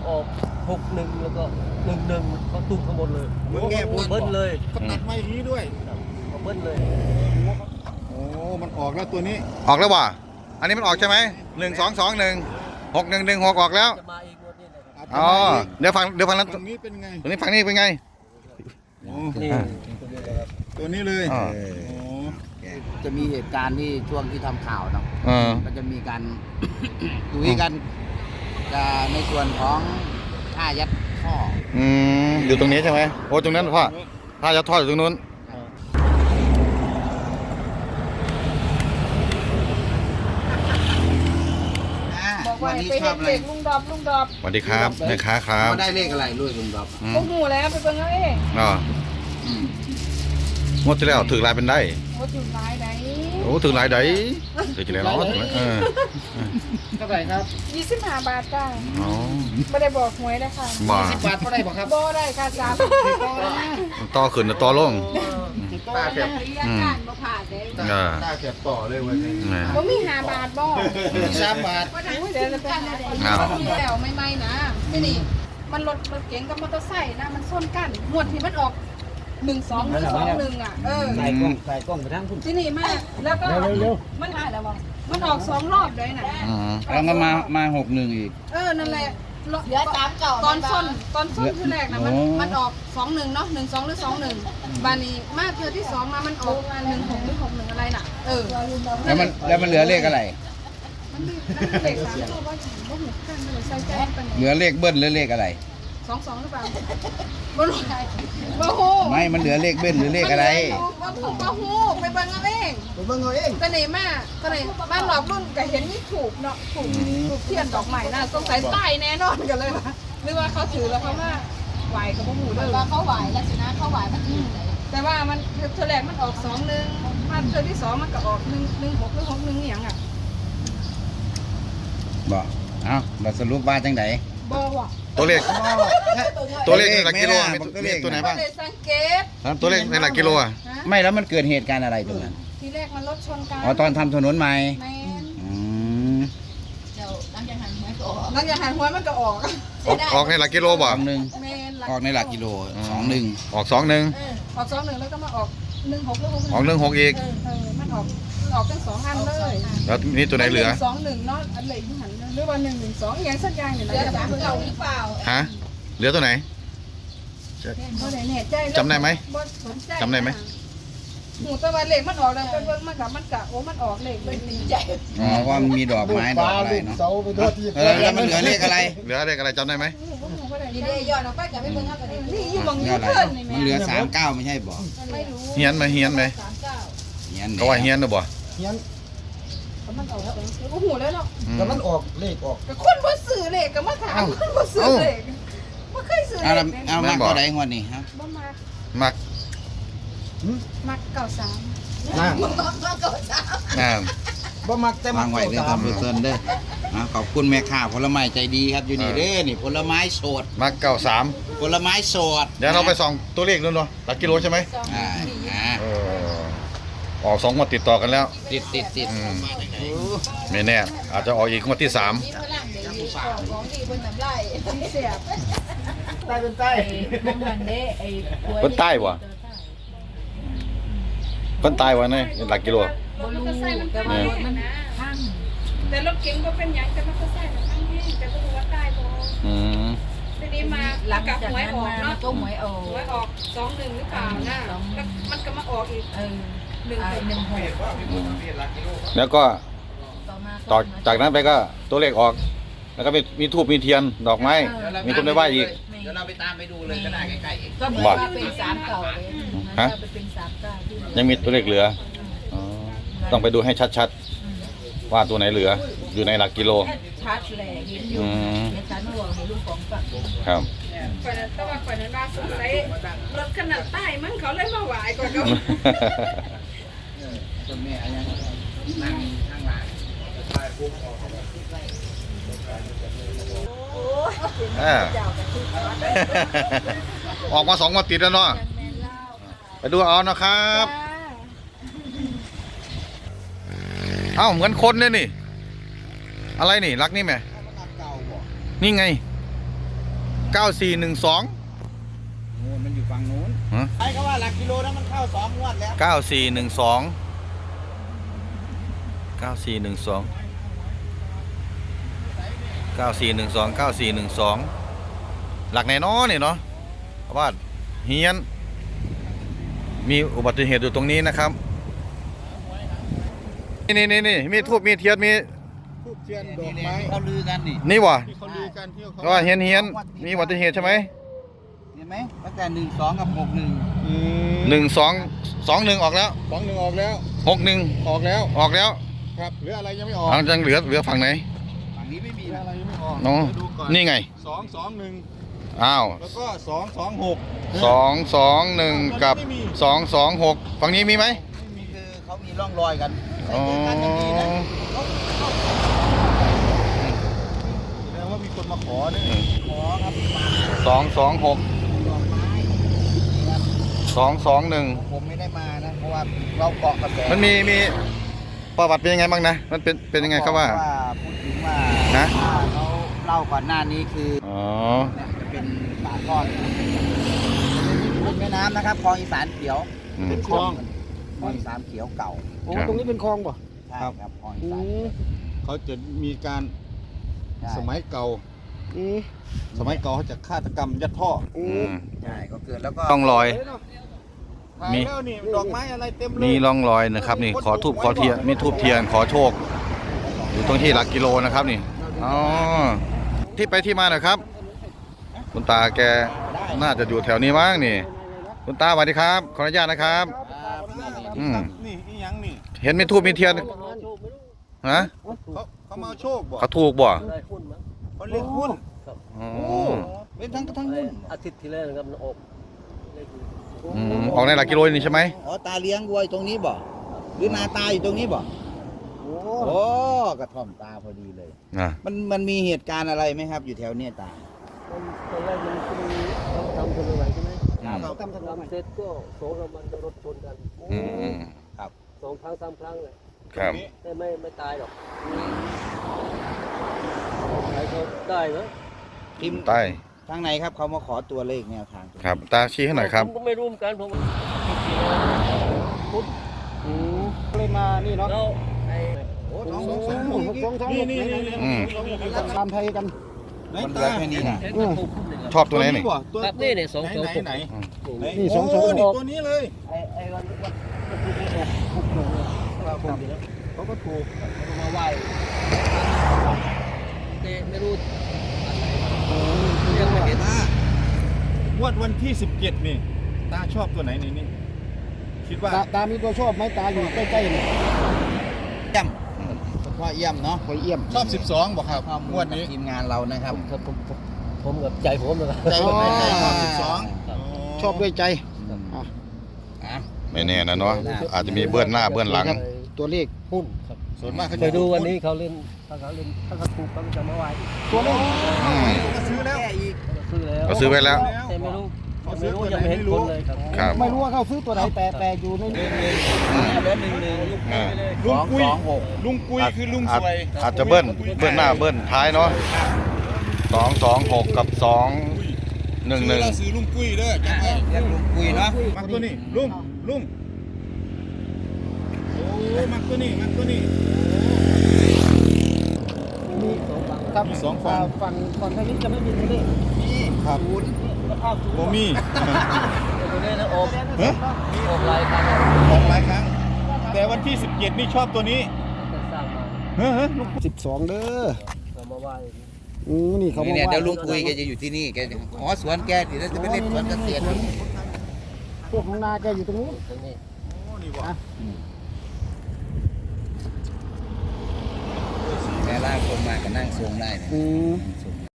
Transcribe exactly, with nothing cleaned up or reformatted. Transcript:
ออกหกหนึ่งแล้วก็หนึ่งหนึ่งเขาตุ้มทั้งหมดเลยเบิ้ลเลยเขาตัดมาอย่างนี้ด้วยเขาเบิ้ลเลยโอ้มันออกแล้วตัวนี้ออกแล้วว่ะอันนี้มันออกใช่ไหมหนึ่งสองสองหนึ่งหกหนึ่งหนึ่งหกออกแล้วจะมาอีกงวดนี้เลยครับอ๋อเดี๋ยวฟังเดี๋ยวฟังนั้นตรงนี้เป็นไงตรงนี้ฟังนี่เป็นไงโอ้นี่ตัวนี้เลยอ่าโอ้จะมีเหตุการณ์ที่ช่วงที่ทำข่าวเนาะเออก็จะมีการ คุยกันจะในส่วนของท่ายัดท่ออืมอยู่ตรงนี้ใช่ไหมโอ้ตรงนั้นพ่อถ้าจะทอดอยู่ตรงนู้นบอกว่าวันนี้ไปชอเห็บนอะไรเด็กลุงดอบลุงดอบสวัสดีครับแม่ค้าครับเขาได้เลขอะไรลุยลุงดอบอืมโอ้โหแล้วไปเบิ่งเอาเองอ๋ออืมงวดที่แล้วถือลายเป็นได้โอ้ถึงหลายไหนโอ้ถือลายได้ถือจะแล้วเนาะเออเท่าไหร่ครับยี่สิบห้าบาทจ้าอ๋อไม่ได้บอกหวยนะคะบ้าสิบบาทเท่าไหร่บอกครับบ่ได้ค่ะจ้าต่อขึ้นต่อลงตาเสียบอืมบ่ผ่านเด้เออตาเสียบต่อเลยวันนี้นี่บ่มีห้าบาทบ่สามบาทอุ้ยเดี๋ยวจะไปหาอ้าวแล้วไม่ไม่นะนี่นี่มันรถรถเก๋งกับมอเตอร์ไซค์นะมันส้นกันหมวดที่มันออกหนึ่งสองหนึ่งสองหนึ่งอ่ะเออใส่กล้องใส่กล้องไปทั้งคุณที่นี่มากแล้วก็มันหายแล้วบ่มันออกสองรอบเลยนะอืมแล้วก็มามาหกหนึ่งอีกเออนั่นแหละเหลือสามเก่าตอนส้นตอนส้นคือแรกนะมันโอ้มันออกสองหนึ่งเนาะหนึ่งสองหรือสองหนึ่งบานี้มาเทือที่สองมามันออกหนึ่งหกหรือหกหนึ่งอะไรน่ะเออแล้วมันแล้วมันเหลือเลขอะไรมันมีมันมีเลขสามตัวว่าบ่หูกันเลยใส่ใจเป็นเหลือเลขเบิ้ลหรือเลขอะไรสองสองหรือเปล่าบ่รู้บ่ฮู้ไม่มันเหลือเลขเบิ้ลหรือเลขอะไรบ่ฮู้บ่ฮู้ไปเบิ่งเอาเองผมเบิ่งเอาเองก็นี่มาก็นี่บ้านหลอกรุ่นก็เห็นนี่ถูกเนาะถูกถูกเทียนดอกไม้น่ะสงสัยตายแน่นอนกันเลยว่ะหรือว่าเขาถือแล้วเขามาไหวกับบ่ฮู้เด้อว่าเขาไหวแล้วสินะเขาไหวมันอื่นเลยแต่ว่ามันเทอแรกมันออกสองหนึ่งมาเทอที่สองมันก็ออกหนึ่งหนึ่งหกหรือหกหนึ่งอหย่างอ่ะบอกเอ้าเราสรุปว่าจังไดบอว่ะตัวเลขตัวเลขในหลักกิโลมีตัวมีเลขตัวไหนก็บ้างเลยสังเกตครับตัวเลขในหลักกิโลอ่ะนะไม่แล้วมันเกิดเหตุการณ์อะไรตรงนั้นทีแรกมันรถชนกันอ๋อตอนทำถนนใหม่แมนอืมเดี๋ยวหลังจากหันหัวก็ออกหลังจากหันหัวมันก็ออกออกออกในหลักกิโลสบ่องหนึ่งแมนออกในหลักกิโลสองหนึ่งออกสองหนึ่งเออออกสองหนึ่งแล้วก็มาออกหนึ่งหกหรือหกหนึ่งออกหนึ่งหกอีกเออเออมันออกมันออกทั้งสองอันเลยแล้วนี่ตัวไหนเหลือสองหนึ่งเนาะอันเหลือที่หันหรือว่าหนึ่งหนึ่งสองอย่างสักอย่างเนี่ยเหลือนะสามเก่าหรือเปล่าฮะเหลือตัวไหนเขาไหนเนี่ยใจจำได้ไหมบ่สนใจจำได้ไหมหมูตะวันเหล็กมันออกแล้วไปเบิ่งมันกับมันกะโอ้มันออกเหล็กเลยดีใจอ๋อว่ามันมีดอกไม้ดอกอะไรเนาะเสาไปโทษที่เออแล้วมันเหลือเลขอะไรเหลือเลขอะไรจำได้ไหมดีเดย์ย้อนออกไปกับไม่เบิ่งเขาก็ได้นี่อยู่บางเหลืยูออะไรเทิร์นนี่แม่มันเหลือสามเก้าไม่ใช่บอกไม่รู้เฮียนไหมเฮียนไหมสามเก้าเฮียนก็ว่าเฮียนหรือบ่เฮียนมันออกแล้วโอ้โหแล้วเนาะอืมแต่มันออกเลขออกกับคนบ่ซื้อเหล็กกับมาถามคนบ่ซื้อเหล็กบ่เคยซื้อเหเอาล็ละกเอามาก็ได้งวดนี้ครับบ่มามักมักเก่าสามนะมึงก็ก็สามอ่าบ่มักแต่มัวาก งไว้เด้อสาท่าม นผู้ชมเด้ออ่ะขอบคุณแม่ค้าผลไม้ใจดีครับอยู่นี่เด้อนี่ผลไม้สดมักเก้าสามผลไม้สดเดี๋ยวเราไปส่องตัวเลขนู่นเนาะหลักกิโลใช่ไหมอ่าอ่าเออออกสองงวดติดต่อกันแล้วติดติดติดอืมไม่แน่อาจจะออกอีกงวดที่สามมีพลังเดี๋ยวอยู่ของของดีบนน้ำไหลเสียบใต้เป็นใต้มันเหมือนเด้ไอ้คนใต้บ่คนใต้วะเนี่ยหลักกิโลรถมอเตอร์ไซค์มันพังมันพังแต่รถเก๋งบ่เป็นหยังแต่มอเตอร์ไซค์มันพังแห้งแต่บ่รู้ว่าตายบ่อืมทีนี้มาหลังกับจากหวยนั้นออกมาเนาะก็หวยออกหวยออกสองหนึ่งหรือเปล่านะแล้วมันก็มาออกอีกเออหนึ่งหนึ่งหกแล้วก็ต่อมาต่อจากนั้นไปก็ตัวเลขออก แล้วก็มีมีทูบมีเทียนดอกไม้ มีคนไปไหว้อีกเดี๋ยวเราไปตามไปดูเลยก็ได้ใกล้ๆเองก็เหมือนว่าเป็นสามเก่าเลยฮะมันจะเป็นสามเก้าที่เหลือยังมีตัวเลขเหลืออ๋อต้องไปดูให้ชัดๆ ว่าตัวไหนเหลือ อยู่ในหลักกิโลชัดแหละเห็นอยู่อืมเห็นชัดหัวเห็นลูกของฝักครับก่อนนั้นแต่ว่าก่อนนั้นว่าสงสัยรถขนาดใต้มั้งเขาเลยมาไหวก่อนก็ต้นแม่อะไรนั่งข้างหลังอ่า ออกมาสองวันติดแล้วเนาะไปดูเอานะครับ เอ้าเหมือนคนเนี่ยนี่ อะไรนี่รักนี่ไหมนี่ไงเก้าสี่หนึ่งสองโอ้มันอยู่ฝั่งนู้นฮะใช่ก็ว่าหลักกิโลนั้นมันเข้าสองงวดแล้วเก้าสี่หนึ่งสองเก้าสี่หนึ่งสองเก้าสี่หนึ่งสองเก้าสี่หนึ่งสองหลักไหนเนาะนี่เนาะเพราะว่าเฮียนมีอุบัติเหตุอยู่ตรงนี้นะครับนี่นี่นี่นี่มีทูบมีเทียนมีทูบเทียนดนี่อกแหละไม้ที่เขาลือกันนี่นี่วะที่เขาลือกันที่เขาก็เฮียนเฮียนมีอุบัติเหตุใช่ไหมเห็นไหมตั้งแต่หนึ่งสองกับหกหนึ่งอืมหนึ่งสองสองหนึ่งออกแล้วสองหนึ่งออกแล้วหกหนึ่งออกแล้วออกแล้วครับเหลืออะไรยังไม่ออกหลังจากเหลือเหลือฝั่งไหนฝั่งนี้ไม่มีเหลือนะอะไรยังไม่ออกเนาะเดี๋ยวดูก่อนนี่ไงสองสองหนึ่งอ้าวแล้วก็สองสองหกสองสองหนึ่งกับสองสองหกฝั่งนี้มีไหมไม่มีคือเขามีร่องรอยกันใส่อ๋อเสื้อกันอย่างดีนะเขาเขาแสดงว่ามีคนมาขอเนี่ยขอครับมาสองสองหกดอกไม้นี่ครับสองสองหนึ่งผมไม่ได้มานะ เพราะว่าเราเกาะกระแสมันมีมีประวัติเป็นยังไงบ้างนะ มันเป็นเป็นยังไงครับว่าพูดถึงว่าฮะเขาเล่าก่อนหน้านี้คืออ๋อเนี่ยจะเป็นป่าก้อนเป็นแม่น้ำนะครับคลองอีสานเขียวอืมเป็นคลองคลองอีสานเขียวเก่าโอ้ตรงนี้เป็นคลองป่ะใช่ครับครับคลองอีสานเขาจะมีการใช่สมัยเก่าสมัยเก่าเขาจะฆาตกรรมยัดท่ออืมใช่ก็เกิดแล้วก็ร่องรอย มีมีแล้วนี่ดอกไม้อะไรเต็มเลยมีร่องรอยนะครับนี่ขอทูบขอเทียนมีทูบเทียนขอโชค อยู่ตรงที่หลักกิโลนะครับนี่อ๋อที่ไปที่มาหน่อยครับ คุณตาแกน่าจะอยู่แถวนี้มั้งนี่ คุณตาสวัสดีครับขออนุญาตนะครับครับนี่นี่อืมนี่อีหยังนี่เห็นมีทูบมีเทียนฮะเขาเขามาเอาโชคบ่เขาถูกบ่ได้หุ้นมั้งเขาเรียกหุ้นอ๋อเป็นทั้งทั้งหุ้นอาทิตย์ที่แล้วนะครับมันออกเลขอืมออกในหลักกิโลนี่ใช่ไหมอ๋อตาเลี้ยงวัวอยู่ตรงนี้บ่หรือนาตาอยู่ตรงนี้บ่โอ้โอ้กระท่อมตาพอดีเลยอ่ะมันมันมีเหตุการณ์อะไรไหมครับ อยู่แถวเนี้ยตาตอนแรกมันคือเขาทำถนนใหม่ใช่ไหมครับเขาทำถนนใหม่เสร็จก็โสมมันจะรถชนกันอืมอืมสองครั้งสามครั้งเลยครับแต่ไม่ไม่ตายหรอกใครเขาได้เหรอพิมพ์ใต้ทางไหนครับเขามาขอตัวเลขแนวทางครับตาชี้ให้หน่อยครับผมก็ไม่รู้เหมือนกันผมเลยมานี่เนาะแล้วไอ้โอ้สสออง งสสออง งสสออง งสองสองนี่นี่นี่อืมตามไทยกันไหนมันเหลืตาอแค่นี้นะไอ้ตัวถูกขึ้นเลยชอบตัวไหนนี่บ่ตัวครับนี่เนี่ยสองไหนตัวไหนถูกไหนนี่นี่สองสองนี่ตัวนี้เลยไอ้ไอ้วันวันวันที่ถูกถูกถูกเลยถูกอยู่แล้วเขาก็ถูกเขามาไหว้แต่ไม่รู้ยังไม่เห็นงวดวันที่สิบเจ็ดนี่ตาชอบตัวไหนในนี้คิดว่าตาตามีตัวชอบไหมตาอยู่ใกล้ๆนี่เยี่ยมว่าเยี่ยมเนาะคอยเยี่ยมชอบสิบสองบอกครับข้อมูงลวดจากนี้ทีมงานเรานะครับผมผมผมผมกับใจผมนะครับใจผมไม่ใจชอบสิบสองชอบด้วยใจอ่ะไม่แน่นะเนาะอาจจะมีเบื้องหน้าเบื้องหลังตัวเลขหุ้นครับส่วนมากเขาเคจะยดูวันนี้เขาเล่นถ้าเขาเล่นถ้าเขาถูกเขาจะมาไหว้ตัวเลขอืมก็ซื้อแล้วแก้อีกเขาซื้อแล้วเขาซื้อไว้แล้วแต่ไม่รู้ยังไม่รู้ยังไม่เห็นคนเลยครับครับไม่รู้ว่าเขาซื้อตัวไหนแต่แต่อยู่ในนี้เหลือหนึ่งหนึ่งอ่าลุงกุยสองหกลุงกุยคือลุงอาสจวยอาจจะเบิ้ลเบิ้ลหน้าเบิ้ลท้ายเนาะสองสองหกกับสองหนึ่งหนึ่งซื้อแล้วซื้อลุงกุยเด้อจำไว้เรียกลุงกุยเนาะมักตัวนี้ลุงลุงโอ้มักตัวนี้มักตัวนี้มีครับมีสองฝั่งฝั่งฝั่งทางนี้จะไม่มีตัวเลขนี่ครับศูนย์โมมี่ตัวนี้นะโอบเฮ้ยโอบลายครับออกหลายครั้ง แต่วันที่สิบเจ็ดนี่ชอบตัวนี้จะสร้างมาเฮ้ยเฮ้ยลุงสิบสองเด้อเรามาไหว้อืมนี่เขาบอกเนี่ยว่าเดี๋ยวลุงกุยแกจะอยู่ที่นี่แกจะขอสวนแกเดี๋ยวจะไปเล่นสวนเกษตรพวกของนาแกอยู่ตรงนู้นตรงนี้โอ้นี่วะแกลากคนมาก็นั่งทรงได้เนี่ยอืมส